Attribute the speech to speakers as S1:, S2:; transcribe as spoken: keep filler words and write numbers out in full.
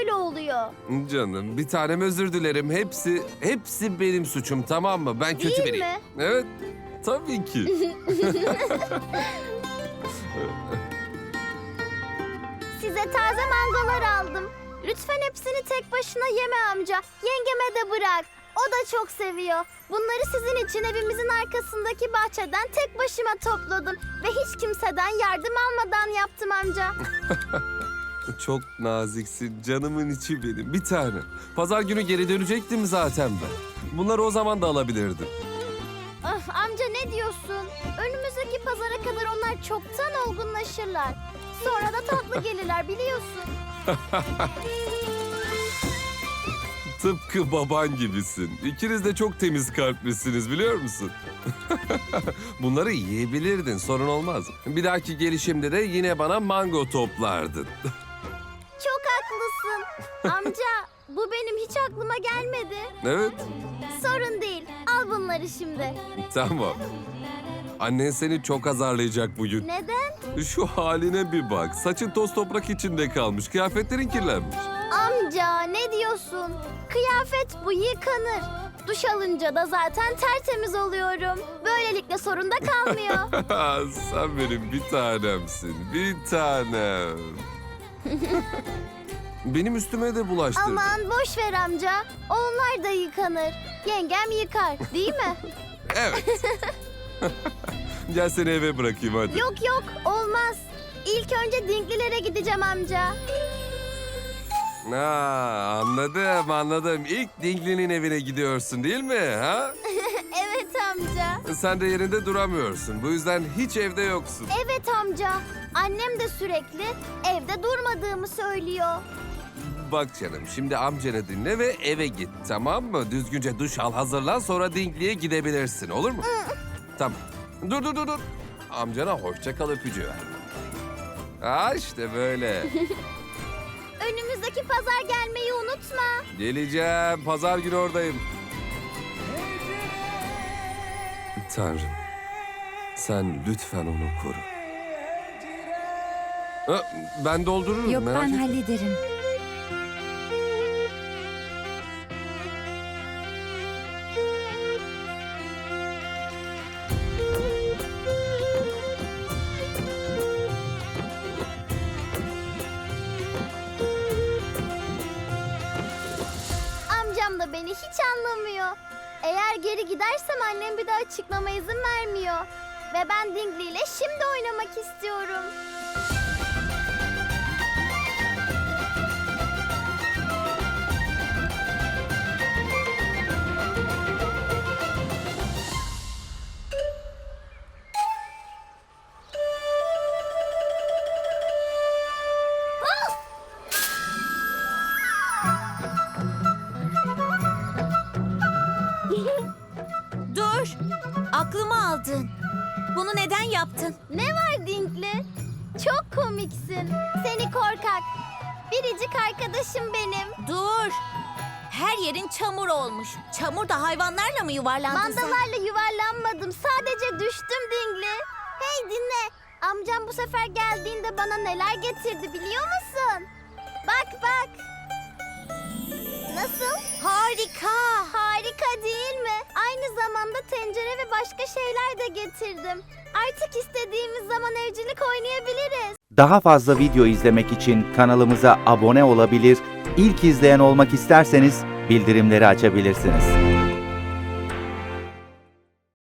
S1: böyle oluyor.
S2: Canım bir tanem özür dilerim. Hepsi hepsi benim suçum, tamam mı? Ben kötü
S1: Değil
S2: biriyim.
S1: mi?
S2: Evet. Tabii ki.
S1: Size taze mangolar aldım. Lütfen hepsini tek başına yeme amca. Yengeme de bırak. O da çok seviyor. Bunları sizin için evimizin arkasındaki bahçeden tek başıma topladım. Ve hiç kimseden yardım almadan yaptım amca.
S2: Çok naziksin. Canımın içi benim. Bir tane. Pazar günü geri dönecektim zaten ben. Bunları o zaman da alabilirdim.
S1: Ah, amca ne diyorsun? Önümüzdeki pazara kadar onlar çoktan olgunlaşırlar. Sonra da tatlı gelirler biliyorsun.
S2: Tıpkı baban gibisin. İkiniz de çok temiz kalplisiniz, biliyor musun? Bunları yiyebilirdin, sorun olmaz. Bir dahaki gelişimde de yine bana mango toplardın.
S1: Çok haklısın. Amca bu benim hiç aklıma gelmedi.
S2: Evet,
S1: Sorun değil. Al bunları şimdi.
S2: tamam. Annen seni çok azarlayacak bugün.
S1: Neden?
S2: Şu haline bir bak. Saçın toz toprak içinde kalmış. Kıyafetlerin kirlenmiş.
S1: Amca ne diyorsun? Kıyafet bu yıkanır. Duş alınca da zaten tertemiz oluyorum. Böylelikle sorun da kalmıyor.
S2: Sen benim bir tanemsin. Bir tanem. Benim üstüme de bulaştırdın.
S1: Aman boş ver amca. Onlar da yıkanır. Yengem yıkar değil mi?
S2: Evet. Gel seni eve bırakayım hadi.
S1: Yok yok olmaz. İlk önce Dinklilere gideceğim amca.
S2: Ha, anladım anladım. İlk Dingli'nin evine gidiyorsun değil mi? Ha?
S1: Evet amca.
S2: Sen de yerinde duramıyorsun. Bu yüzden hiç evde yoksun.
S1: Evet amca. Annem de sürekli evde durmadığımı söylüyor.
S2: Bak canım, şimdi amcanı dinle ve eve git, tamam mı? Düzgünce duş al, hazırlan, sonra Dingli'ye gidebilirsin, olur mu? Tamam. Dur dur dur dur. Amcana hoşça kal öpücüğü ver. Ha işte böyle.
S1: Önümüzdeki pazar gelmeyi unutma.
S2: Geleceğim. Pazar günü oradayım. Tanrım, sen lütfen onu koru. Ha, ben doldururum.
S3: Yok
S2: merak
S3: ben
S2: etme.
S3: hallederim.
S1: Amcam da beni hiç anlamıyor. Eğer geri gidersem annem bir daha çıkmama izin vermiyor. Ve ben Dingli ile şimdi oynamak istiyorum.
S3: Dur! Aklımı aldın. Bunu neden yaptın?
S1: Ne var Dingli? Çok komiksin. Seni korkak. Biricik arkadaşım benim.
S3: Dur! Her yerin çamur olmuş. Çamur da hayvanlarla mı yuvarlandın sen?
S1: Mandalarla yuvarlanmadım. Sadece düştüm Dingli. Hey dinle. Amcam bu sefer geldiğinde bana neler getirdi biliyor musun? Bak bak. Nasıl?
S3: Harika!
S1: Harika değil mi? Aynı zamanda tencere ve başka şeyler de getirdim. Artık istediğimiz zaman evcilik oynayabiliriz.
S4: Daha fazla video izlemek için kanalımıza abone olabilir, ilk izleyen olmak isterseniz bildirimleri açabilirsiniz.